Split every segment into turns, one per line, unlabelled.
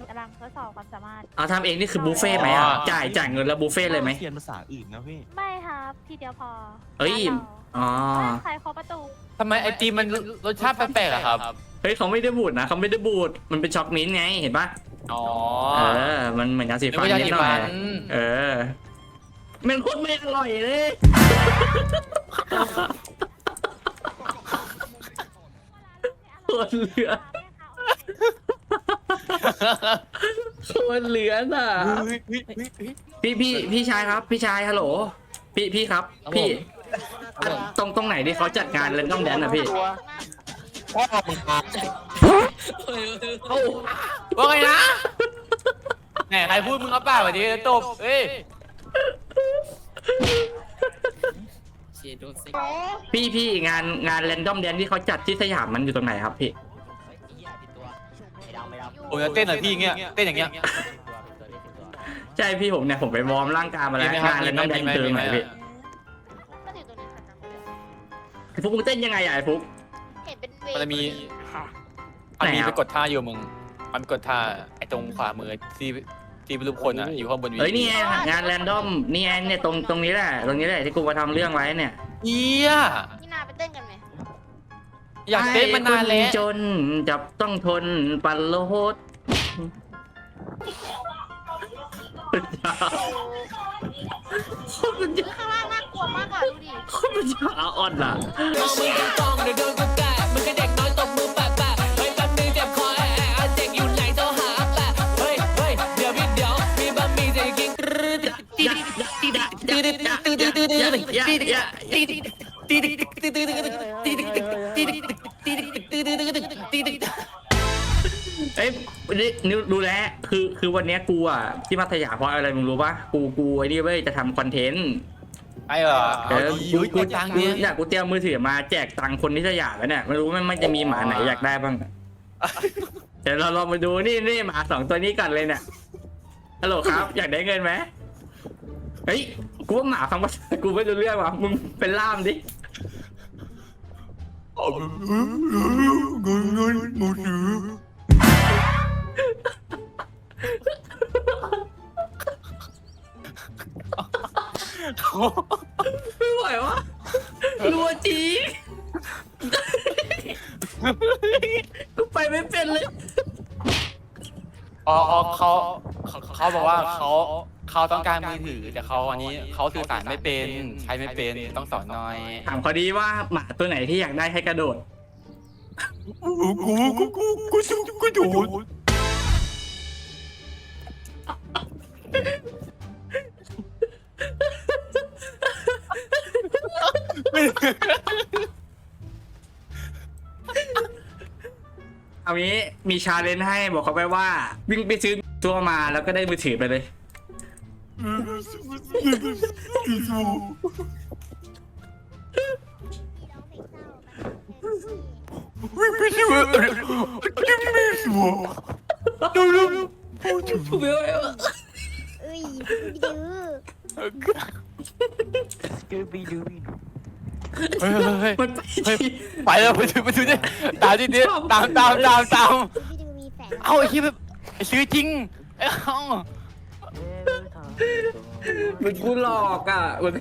กำลังทดสอบความสามารถ
เอาทำเองนี่คือบุฟเฟ่ไหมอ่ะจ่ายเงินแล้วบุฟเฟ่เลยไหม
เขียนภาษาอื่นนะพี่
ไม่ครับทีเดียวพอ
เอ้ยอ๋อ
ใครเคาะประตู
ทำไมไอติมมันรสชาติแปลกๆอะครับ
เฮ้ยเขาไม่ได้บูดนะเขาไม่ได้บูดมันเป็นช็อกมิ้นท์ไงเห็นปะ
อ๋อ
มันเหมือนยาสีฟันนิดหน่อยมันโคตรไม่อร่อยเลยโคตรเหลือโคตรเหลือน่ะพี่ชายครับพี่ชายฮัลโหลพี่ครับพี่ตรงไหนที่เขาจัดงานเล่นต้องแดนอ่ะพี่
ว่าไงนะแหมใครพูดมึงเอาเปล่าแบบนี้ตบเอ้ย
พี่งานเรนดอมแดนที่เขาจัดที่สยามมันอยู่ตรงไหนครับพี่
ผมจะเต้นหน่อยพี่เงี้ยเต้นอย่างเงี้ย
ใช่พี่ผมเนี่ยผมไปวอร์มร่างกายมาแล้วงานเรนดอมแดนคือตรงไหนพี่ไอ้ฟุกมึงเต้นยังไงอ่ะไอ้ฟุก
เห็นเป็นเว
มันจะมีไปกดท่าอยู่มึงมันกดท่าไอ้ตรงขวามือที่เป็นรูปคนอ่ะอยู่ข้างบนวี
เฮ้ยนี่งานแรนดอมนี่เนี่ยตรงนี้แหละที่กูมาทำเรื่องไว้เนี่ย
เยี่ย
นี่นาไปเต้นกันไหม
อยากเต้นมานานแล้ว
จนจับต้องทนปันโลดคนจะ
ข้างล่างน่ากลัวมากอ่ะดูดิ
คนมันจะอ่อนอ่ะเอ้ยนิวรู้แล้วคือวันนี้กูอ่ะที่พัทยาเพราะอะไรมึงรู้ปะกูไอ้นี่เว้ยจะทำคอนเทนต์
ไอ้เหรอ
กูเตรียมมือถือมาแจกตังค์คนที่สยามแล้วเนี่ยไม่รู้มันจะมีหมาไหนอยากได้บ้างเดี๋ยวเราลองมาดูนี่หมา2ตัวนี้ก่อนเลยเนี่ยฮัลโหลครับอยากได้เงินไหมเฮ้ยกูว่าหมาฟังภาษากูไม่รู้เรื่องว่ะมึงเป็นล่ามดิเงินมือถือไม่ไหววะรัวจีกูไปไม่เป็นเลย
อ๋อเขาบอกว่าเขาต้องการมือถือแต่อันนี้เขาสื่อสารไม่เป็นใช้ไม่เป็นต้องสอนหน่อย
ถามเขาดีว่าหมาตัวไหนที่อยากได้ให้กระโดดกูโดดเอางี้มีชาเลนจ์ให้บอกเขาไปว่าวิ่งไปซื้อตัวมาแล้วก็ได้มือถือไปเลยวิ่งไปซื้อดูไม่ไหววะ
เอ้ยดื้อ
มัน
ไปแล้วไปดูดิตามดิตามเอาไอ้ที่แบบซื้อจริง
มันกูหลอกอ่ะมัน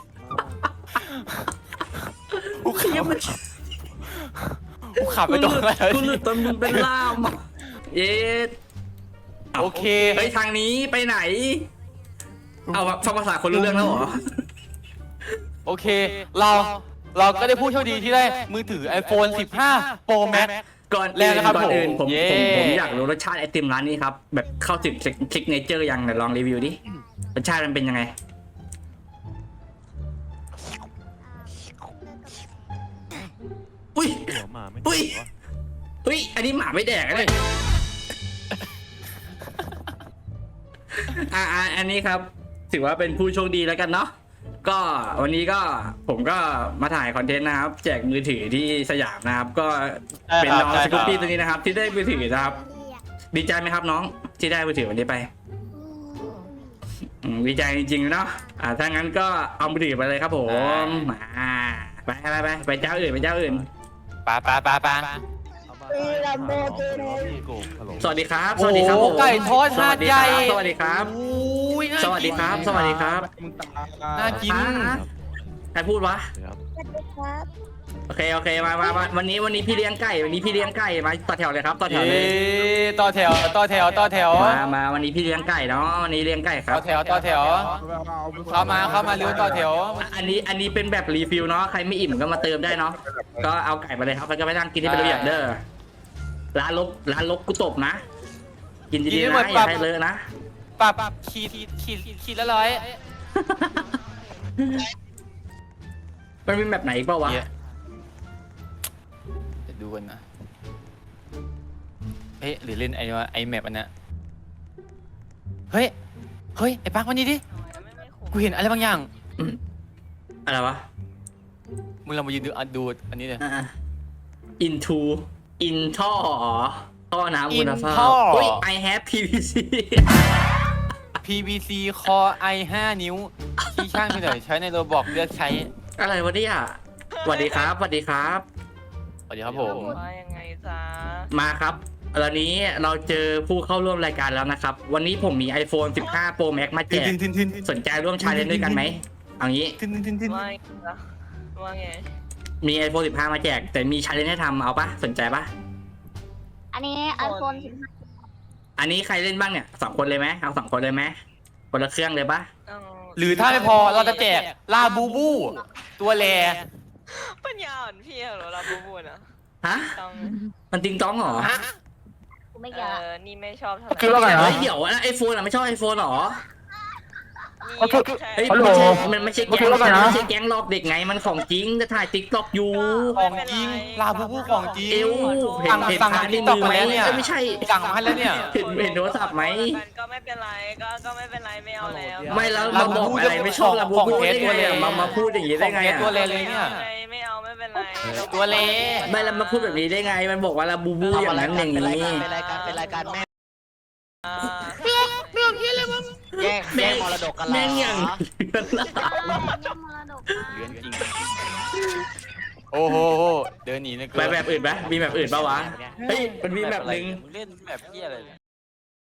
กูขับไปตรงไหน
กูหลุดตอนมึงเป็นล่ามเย็ด
โอเค
เฮ้ยทางนี้ไปไหนเอาฟังภาษาคนรู้เรื่องแล้วเหรอ
โอเคเราก็ได้ผู้โชคดีที่ได้มือถือ iPhone 15 Pro Max
ก่อนอื่นผมอยากรู้รสชาติไอติมร้านนี้ครับแบบเข้าถึงคลิกเนเจอร์ยังเดี๋ยวลองรีวิวดิรสชาติมันเป็นยังไงอุ้ยอันนี้หมาไม่แดกเลยอันนี้ครับถือว่าเป็นผู้โชคดีแล้วกันเนาะก็วันนี้ก็ผมก็มาถ่ายคอนเทนต์นะครับแจกมือถือที่สยามนะครับก็เป็นน้องสกูปปี้ตัวนี้นะครับที่ได้มือถือนะครับดีใจไหมครับน้องที่ได้มือถือวันนี้ไปดีใจจริงๆเนาะถ้างั้นก็เอามือถือไปเลยครับผมไปเจ้าอื่น
ไป
ลัมโบกินี
สวัสดีครับสวัสดีครับผม
ไก่ทอดหาดใหญ่
สวัสดีครับ
อุ้ยน่า
สวัสดีครับ สวัสดีครับ
น่ากิน
ใครพูดวะ
สวัสดีครับ
โอเคมาวันนี้พี่เลี้ยงไก่วันนี้พี่เลี้ยงไก่มาต่อแถวเลยครับต่อแถวเลย
ต่อแถว
มาวันนี้พี่เลี้ยงไก่เนาะวันนี้เลี้ยงไก่ครั
ต่
บ
อแถวเข้ามาเร็วต่อแถว
อันนี้เป็นแบบรีฟิลเนาะใครไม่อิ่มก็มาเติมได้เนาะก็เอาไก่มาเลยครับแล้วก็ไปนั่งกินที่เป็นระเบียบเด้อร้านลบกูตบนะ กินดีๆนะอย่าให้เลอะนะ
ปรับขีดละร้อย
มันเป็นแบบไหนอีกเปล่าวะ
จะดูกันนะเฮ้ยหรือเล่นไอแมปอันนั้นเฮ้ยไอปักวันนี้ดิกูเห็นอะไรบางอย่าง
อะไรวะ
มึงลองมายืนดูอันนี้เลย
into in ท่อน้ำคุณภาพ
ท่อ
เฮ้ย I have PVC
PVC Core i 5 นิ้ว ที่ช่างที่ไหนใช้ในโรบอกเลือกใช้
อะไรวะเนี่ยสวัสดีครับสวัสดีครับ
สวัสดีครับผม
ว่ายังไงจ๊ะ
มาครับวันนี้เราเจอผู้เข้าร่วมรายการแล้วนะครับ วันนี้ผมมี iPhone 15 Pro Max มาแจกสนใจร่วมชาเลนจ์ด้วยกันไหมเอางี้
ว่าไงจ๊ะว่าไง
มี iPhone 15 มาแจก แต่มีชาเลนจ์ให้ทำเอาปะสนใจปะ
อันนี้ไอโฟน15
อันนี้ใครเล่นบ้างเนี่ย2 คนเลยไหมเอา2 คนเลยไหมคนละเครื่องเลยปะ
เอา
หรือถ้าไม่พอเราจะแจกลาบูบู ตัวแล
ปัญญาอ่อนพี่เหรอเราบูบูนะ
ฮะ
ต้อง
มันติงต้องเหรอ
กูไม่เกี่ยวละ
นี่ไม่ชอบเท่าไหร่
คือว่าไง
เฮ้ยเดี๋ยวไอโฟนไม่ชอบ iPhone เหรอ
นี่ใช่
เฮ้ย
ฮัลโหล
มันไม่ใช่แก๊ง
คือว่าไงนะ
ไม่ใช่แก๊งหลอกเด็กไงมันของจริงจะถ่ายติ๊กต็อกอยู่
ของจริงลาบูบูของจริง
เอวเห็น
สั่ง
พาร์ทใน
TikTok
มือไหม
มาแล้วเนี่ย
ไม่ใช่
สั่งมาให้แล้วเนี่ย
เห็นโทรศัพท์ไหม
ก็ไม่เป็นไรก็ไม่เป็นไรไม่เอาแล้ว
ไม่แล้วมาบอกอะไรไม่ชอบลาบูบูได้ไงอะมาพูดอย่างนี้ได้ไง
ของเทส
อะ
ตัวแลเลยเนี่ย
ไม่เอาไม่เป็นไร
ตัวเล
ไม่แล้วมาพูดแบบนี้ได้ไง มันบอกว่าลาบูบูอย่างนั้นอย่างนี้
เป็นรายการแม่
อ่า
แย่งมรดกกันเหรอ
แม่งอย่าง
เนี่ยมรดก
เลือนจริง โอ้โหเดินหนีนะ
ไปแบบอื่นไหมมีแบบอื่นปะวะเฮ้ยมันมีแบบหนึ่ง
เล่นแบบเพี้ยอะไรเนี่ย